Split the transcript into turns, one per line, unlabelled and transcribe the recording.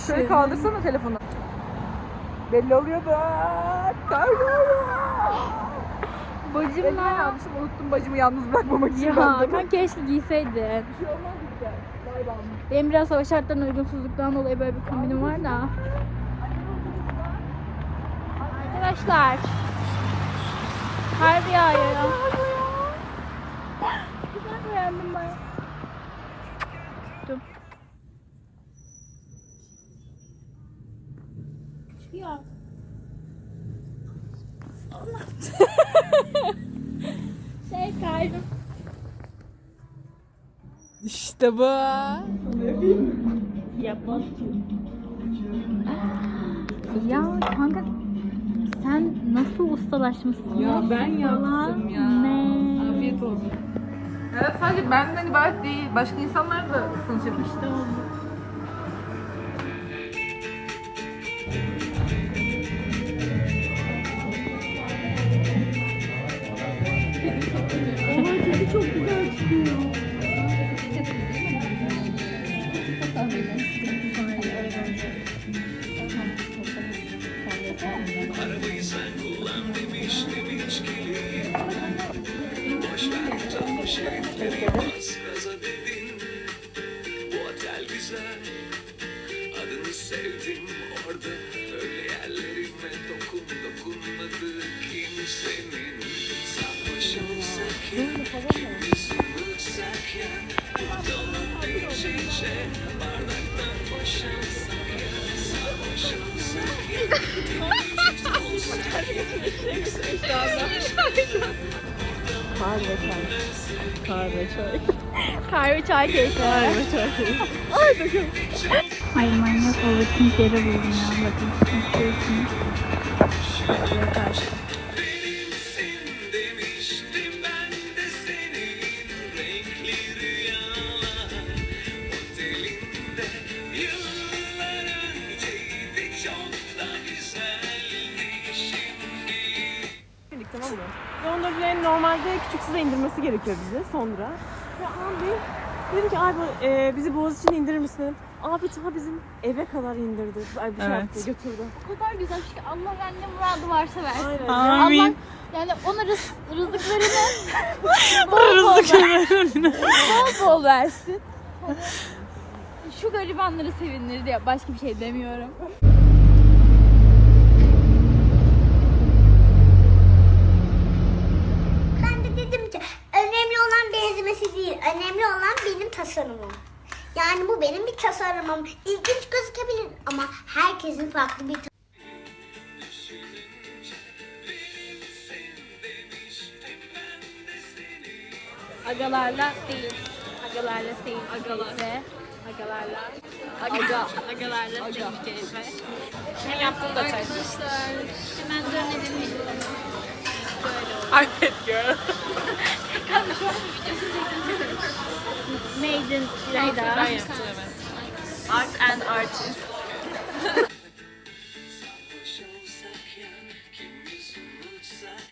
Şöyle kaldırsana telefonu. Belli oluyor da. Kayboluyor.
Bacım
Ben almışım, unuttum bacımı yalnız bırakmamak için.
Ya
ben de.
kan keşke giyseydin.
Bir şey olmaz işte. Vay be.
Benim biraz hava şartlarına uygunsuzluktan dolayı böyle bir kombinim var da. Arkadaşlar. Kar yağıyor ya. Güzel beğendim ben. Dur. Ya. Kaydım.
İşte bu.
Yapmaz. Ya kanka sen nasıl ustalaşmışsın?
Ya ben yaptım ya.
Ne?
Afiyet olsun. Evet, sadece benden ibaret değil. Başka insanlar da tanışabilir. İşte oldu.
Çok güzel çıkıyor.
Arabayı sen kullan demiştim içkili. Boş ver utanmış herifleri bas gaza dedin. Bu otel güzel, adını sevdim orada. Öyle yerlerime dokunmadı kimsenin. Sarhoşumsak ya, kimimiz unutsak ya. Ortalık değişince bardaktan boşansak ya. Sarhoşumsak ya.
Kahve çay keyfi. Kahve çay keyfi. Ay manyak overthink yeri buldum ya. Bakın istiyorsunuz. Şöyle karşı.
Benimsin demiştim ben de senin renkli rüyalar otelinde yıllar önceydi çok da güzeldi şimdi.
Tamam mı? Dondurcuların normalde küçük size indirmesi gerekiyor bize sonra. Ve abi dedim ki abi bizi Boğaziçi'ne indirir misin dedim. Abi ta bizim eve kadar indirdi. Ay, bir şey yaptı, götürdü.
O kadar güzelmiş ki Allah bende muradı varsa versin.
Aynen.
Allah yani ona rızıklarını bol bol versin. Şu garibanları sevindirdi ya, başka bir şey demiyorum.
Ben de dedim ki önemli olan benzemesi değil, önemli olan benim tasarımım. Yani bu benim bir tasarımım. İlginç gözükebilir ama herkesin farklı bir
Agalarla değil. Agalarla değil. Agalarla. Agalarla. Agalarla değil keyfe.
Senin yaptığın da ters.
Arkadaşlar hemen dönelim.
iPad girl.
Kanka şu an videosunu çektim. Made in İlayda.
Ben yaptım evet. Art and artist.